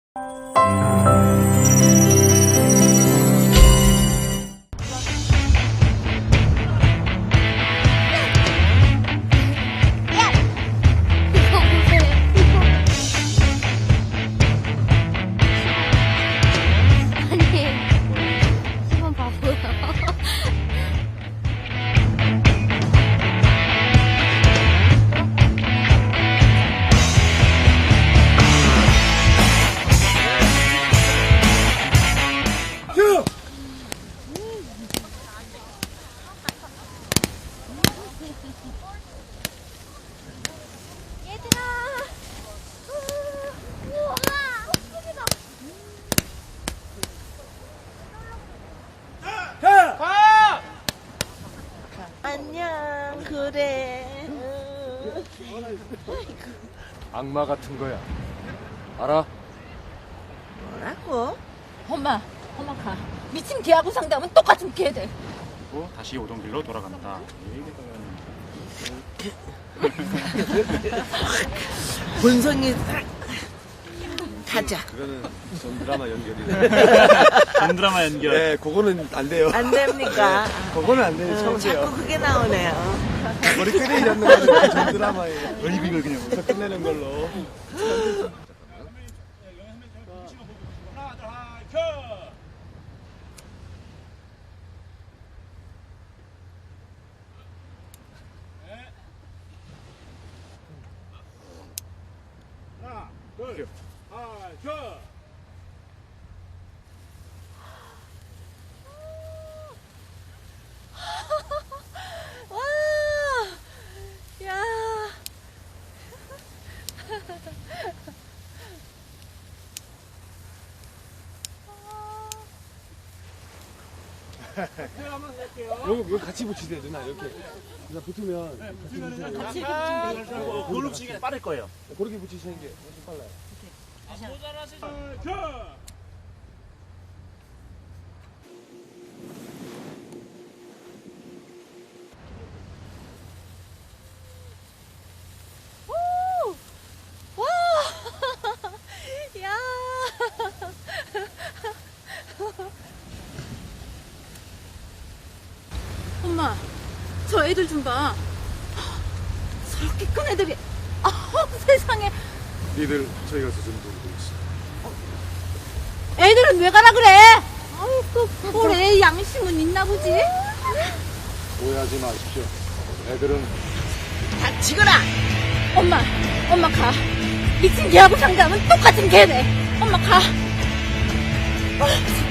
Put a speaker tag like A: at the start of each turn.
A: 안녕. 그래.
B: 악마 같은 거야. 알아?
A: 뭐라고?
C: 엄마 가. 미친 개하고 상담은 똑같은 개들.
D: 그리고 다시 오던 길로 돌아간다.
A: 본성이 가자.
B: 그거는 전 드라마 연결이래.
D: 전 드라마 연결.
B: 네, 그거는 안 돼요.
A: 안 됩니까?
B: 그거는 안 돼요. 처음이에요.
A: 자꾸 그게 나오네요.
B: 머리 끄내기 잡는 거는 전 드라마예요. 이걸 그냥 웃어 끝내는 걸로.
D: 하나, 둘, 켜.
C: 와, 야.
B: 여기 같이 붙이세요, 누나. 이렇게. 누나 붙으면 같이 붙이세요.
D: 그걸로 치기 빠를 거예요.
B: 그렇게 붙이시는 게 훨씬 빨라요.
C: 와. 야. 엄마, 저 애들 좀 봐. 저렇게 큰 애들이. 세상에.
B: 니들 저희 가서 좀 놀고 있어.
C: 애들은 왜 가라 그래? 아이고, 그래 양심은 있나 보지?
B: 오해하지 마십시오. 애들은
A: 닥치거라.
C: 엄마 가. 미친 개하고 상담은 똑같은 개네. 엄마 가.